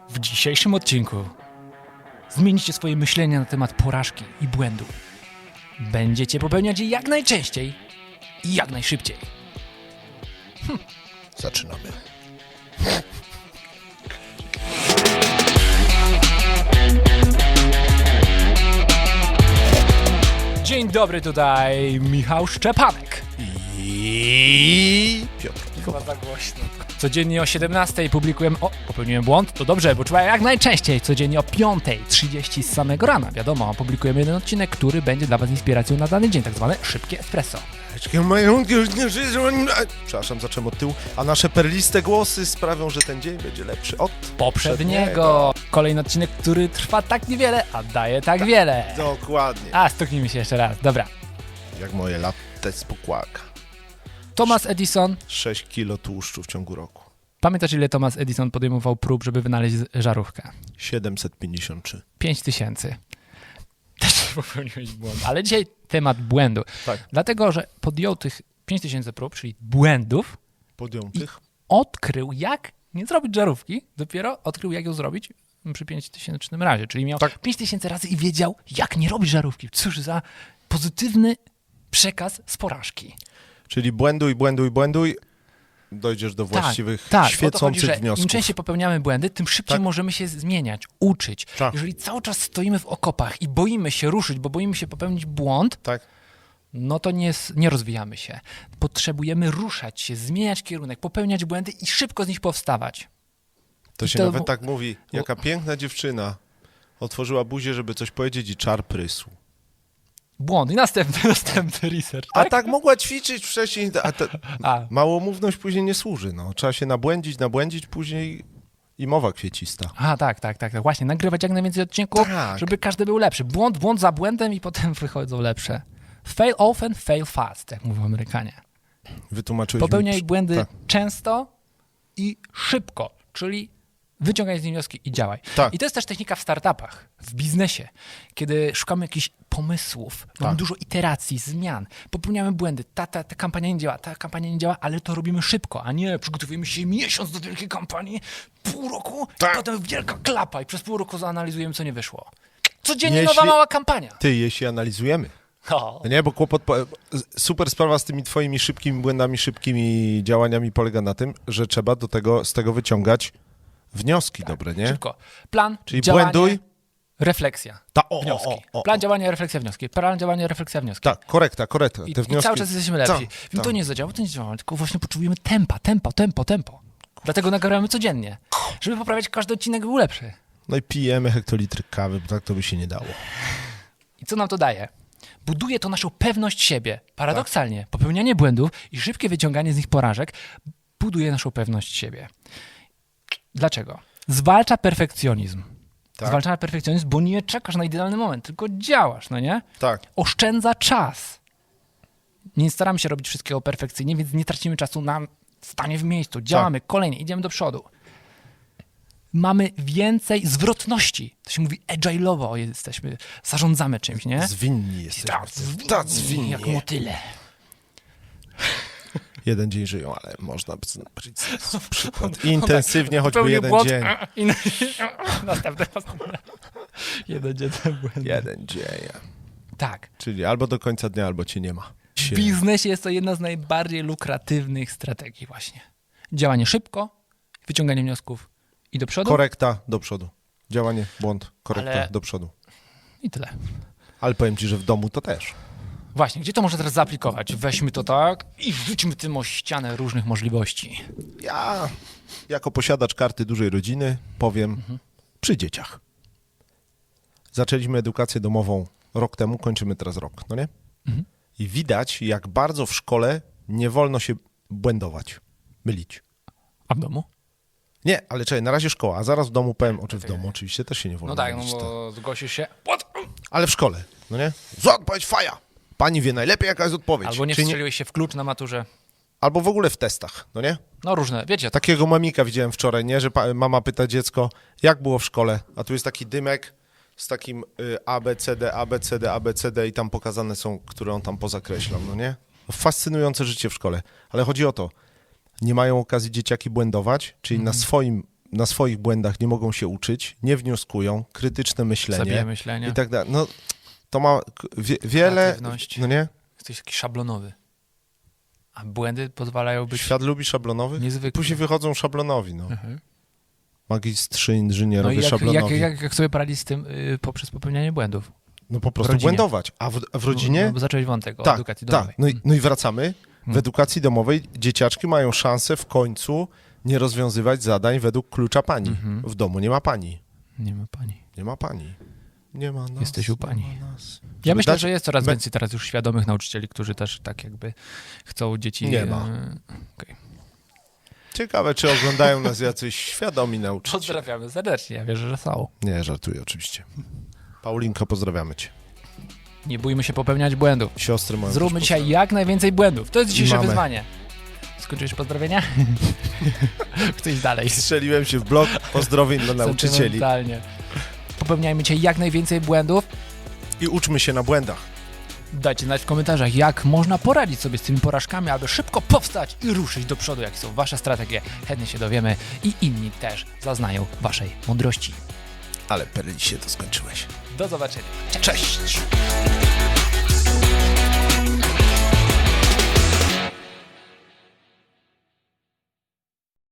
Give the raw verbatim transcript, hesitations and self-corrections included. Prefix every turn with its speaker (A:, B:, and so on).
A: W dzisiejszym odcinku zmienicie swoje myślenie na temat porażki i błędu. Będziecie popełniać je jak najczęściej i jak najszybciej.
B: Hm. Zaczynamy.
A: Dzień dobry, tutaj Michał Szczepanek.
B: I Piotr.
A: Chyba za głośno. Codziennie o siedemnastej publikujemy... O, popełniłem błąd? To dobrze, bo trzeba jak najczęściej. Codziennie o piątej trzydzieści z samego rana. Wiadomo, publikujemy jeden odcinek, który będzie dla was inspiracją na dany dzień, tak zwane szybkie espresso.
B: Przepraszam, zacząłem od tyłu. A nasze perliste głosy sprawią, że ten dzień będzie lepszy od
A: poprzedniego. Kolejny odcinek, który trwa tak niewiele, a daje tak wiele.
B: Dokładnie.
A: A, stuknijmy się jeszcze raz. Dobra.
B: Jak moje latte z pokłaka.
A: Thomas Edison.
B: sześć kilo tłuszczu w ciągu roku.
A: Pamiętasz, ile Thomas Edison podejmował prób, żeby wynaleźć żarówkę?
B: siedemset pięćdziesiąt trzy.
A: pięć tysięcy. Też popełniłeś błąd. Ale dzisiaj temat błędu.
B: Tak.
A: Dlatego, że podjął tych pięć tysięcy prób, czyli błędów,
B: Podjął
A: i
B: tych?
A: odkrył, jak nie zrobić żarówki. Dopiero odkrył, jak ją zrobić przy pięćtysięcznym razie. Czyli miał
B: Tak.
A: pięć tysięcy razy i wiedział, jak nie robić żarówki. Cóż za pozytywny przekaz z porażki.
B: Czyli błęduj, błęduj, błęduj. Dojdziesz do właściwych,
A: tak, tak. O to chodzi,
B: świecących
A: że
B: wniosków.
A: Im częściej popełniamy błędy, tym szybciej
B: Tak.
A: możemy się zmieniać, uczyć.
B: Tak.
A: Jeżeli cały czas stoimy w okopach i boimy się ruszyć, bo boimy się popełnić błąd,
B: Tak.
A: no to nie, nie rozwijamy się. Potrzebujemy ruszać się, zmieniać kierunek, popełniać błędy i szybko z nich powstawać.
B: To
A: I
B: się
A: to-
B: nawet tak mówi. Jaka piękna dziewczyna otworzyła buzię, żeby coś powiedzieć i czar prysł.
A: Błąd. I następny, następny research,
B: A
A: tak?
B: tak mogła ćwiczyć wcześniej, a te,
A: A.
B: małomówność później nie służy. No. Trzeba się nabłędzić, nabłędzić później i mowa kwiecista.
A: A, tak, tak, tak, tak. Właśnie, nagrywać jak najwięcej odcinków,
B: Tak.
A: żeby każdy był lepszy. Błąd, błąd za błędem i potem wychodzą lepsze. Fail often, fail fast, jak mówią Amerykanie.
B: Wytłumaczyłeś
A: Popełniaj
B: mi...
A: błędy
B: Tak.
A: często i szybko, czyli wyciągaj z nich wnioski i działaj.
B: Tak.
A: I to jest też technika w startupach, w biznesie, kiedy szukamy jakichś pomysłów, mamy
B: Tak.
A: dużo iteracji, zmian, popełniamy błędy, ta, ta, ta kampania nie działa, ta kampania nie działa, ale to robimy szybko, a nie przygotowujemy się miesiąc do wielkiej kampanii, pół roku,
B: Tak.
A: i potem wielka klapa i przez pół roku zanalizujemy, co nie wyszło. Codziennie
B: Jeśli-
A: nowa mała kampania.
B: Ty, jeśli analizujemy.
A: O.
B: No nie, bo kłopot... Po... Super sprawa z tymi twoimi szybkimi błędami, szybkimi działaniami polega na tym, że trzeba do tego, z tego wyciągać wnioski dobre, nie?
A: Szybko. Plan,
B: Czyli
A: działanie,
B: błęduj.
A: refleksja.
B: Ta, o,
A: Wnioski.
B: o, o, o.
A: Plan działania, refleksja, wnioski. Plan działania, refleksja, wnioski.
B: Tak, korekta, korekta.
A: I,
B: Te
A: I
B: wnioski...
A: cały czas jesteśmy lepsi.
B: Tak,
A: Wiem, to
B: tak.
A: nie zadziała, to nie zadziała, tylko właśnie potrzebujemy tempa, tempo, tempo, tempo. Dlatego nagrywamy codziennie, żeby poprawiać każdy odcinek był lepszy.
B: No i pijemy hektolitry kawy, bo tak to by się nie dało.
A: I co nam to daje? Buduje to naszą pewność siebie. Paradoksalnie,
B: Tak.
A: popełnianie błędów i szybkie wyciąganie z nich porażek buduje naszą pewność siebie. Dlaczego? Zwalcza perfekcjonizm.
B: Tak.
A: Zwalcza perfekcjonizm, bo nie czekasz na idealny moment, tylko działasz, no nie?
B: Tak.
A: Oszczędza czas. Nie staramy się robić wszystkiego perfekcyjnie, więc nie tracimy czasu na stanie w miejscu. Działamy, kolejnie, idziemy do przodu. Mamy więcej zwrotności. To się mówi agile'owo, jesteśmy, zarządzamy czymś, nie?
B: Zwinni jesteśmy. Tak, zwinni.
A: Jak motyle.
B: Jeden dzień żyją, ale można by powiedzieć przykład. Intensywnie choćby
A: Popełnił
B: jeden
A: błąd.
B: dzień.
A: I następny, następny. Jeden dzień ten błęd.
B: Jeden dzień.
A: Tak.
B: Czyli albo do końca dnia, albo cię nie ma.
A: W biznesie jest to jedna z najbardziej lukratywnych strategii właśnie. Działanie szybko, wyciąganie wniosków i do przodu.
B: Korekta do przodu. Działanie, błąd, korekta
A: Ale-
B: do przodu.
A: I tyle.
B: Ale powiem ci, że w domu to też.
A: Właśnie, gdzie to można teraz zaaplikować? Weźmy to tak i rzućmy tym o ścianę różnych możliwości.
B: Ja, jako posiadacz karty dużej rodziny, powiem
A: Mhm.
B: przy dzieciach. Zaczęliśmy edukację domową rok temu, kończymy teraz rok, no nie?
A: Mhm.
B: I widać, jak bardzo w szkole nie wolno się błędować, mylić.
A: A w domu?
B: Nie, ale czekaj, na razie szkoła, a zaraz w domu powiem, czy w domu oczywiście też się nie wolno
A: No tak, no
B: mylić. to-
A: bo zgłosisz się. What?
B: Ale w szkole, no nie? Zła odpowiedź, faja! Pani wie najlepiej, jaka jest odpowiedź.
A: Albo nie
B: Czy
A: wstrzeliłeś się w klucz na maturze.
B: Albo w ogóle w testach, no nie?
A: No różne, wiecie, tak.
B: Takiego mamika widziałem wczoraj, nie? Że pa- mama pyta dziecko, jak było w szkole? A tu jest taki dymek z takim y, A, B, C, D, A, B, C, D, A, B, C, D i tam pokazane są, które on tam pozakreślał, no nie? Fascynujące życie w szkole. Ale chodzi o to, nie mają okazji dzieciaki błędować, czyli
A: Mhm.
B: na swoim na swoich błędach nie mogą się uczyć, nie wnioskują, krytyczne myślenie
A: Zabija myślenie.
B: i tak dalej. No, to ma wie, wiele,
A: Kreatywność.
B: no nie?
A: Jesteś taki szablonowy. A błędy pozwalają być
B: Świat lubi szablonowych?
A: niezwykłe.
B: Później wychodzą szablonowi, no.
A: Mhm.
B: Magistrzy
A: No i
B: inżynierowie
A: jak, jak,
B: szablonowi.
A: jak, jak sobie poradzić z tym y, poprzez popełnianie błędów?
B: No po
A: w
B: prostu
A: rodzinie.
B: błędować. A w, a w rodzinie?
A: No, bo zacząłeś wątek o
B: tak,
A: edukacji
B: tak.
A: domowej.
B: No i, no i wracamy. W
A: Hmm.
B: edukacji domowej dzieciaczki mają szansę w końcu nie rozwiązywać zadań według klucza pani.
A: Mhm.
B: W domu nie ma pani.
A: Nie ma pani.
B: Nie ma pani. Nie ma nas.
A: Jesteś u pani.
B: Nie ma nas.
A: Ja
B: Żeby
A: myśle,
B: dać-
A: że jest coraz
B: be-
A: więcej teraz już świadomych nauczycieli, którzy też tak jakby chcą dzieci...
B: Nie ma.
A: e, okej.
B: Ciekawe, czy oglądają nas jacyś świadomi nauczyciele.
A: Pozdrawiamy serdecznie, ja wierzę, że są.
B: Nie, żartuję oczywiście. Paulinko, pozdrawiamy cię.
A: Nie bójmy się popełniać błędów.
B: Siostry moją
A: Zróbmy
B: też
A: dzisiaj jak najwięcej błędów. To jest dzisiejsze
B: Mamy.
A: wyzwanie. Skończyłeś pozdrowienia? Chcę iść dalej.
B: Strzeliłem się w blok pozdrowień dla nauczycieli.
A: Sentymentalnie. Popełniajmy dzisiaj jak najwięcej błędów.
B: I uczmy się na błędach.
A: Dajcie znać w komentarzach, jak można poradzić sobie z tymi porażkami, aby szybko powstać i ruszyć do przodu, jakie są wasze strategie. Chętnie się dowiemy i inni też zaznają waszej mądrości.
B: Ale perli się to skończyłeś.
A: Do zobaczenia.
B: Cześć!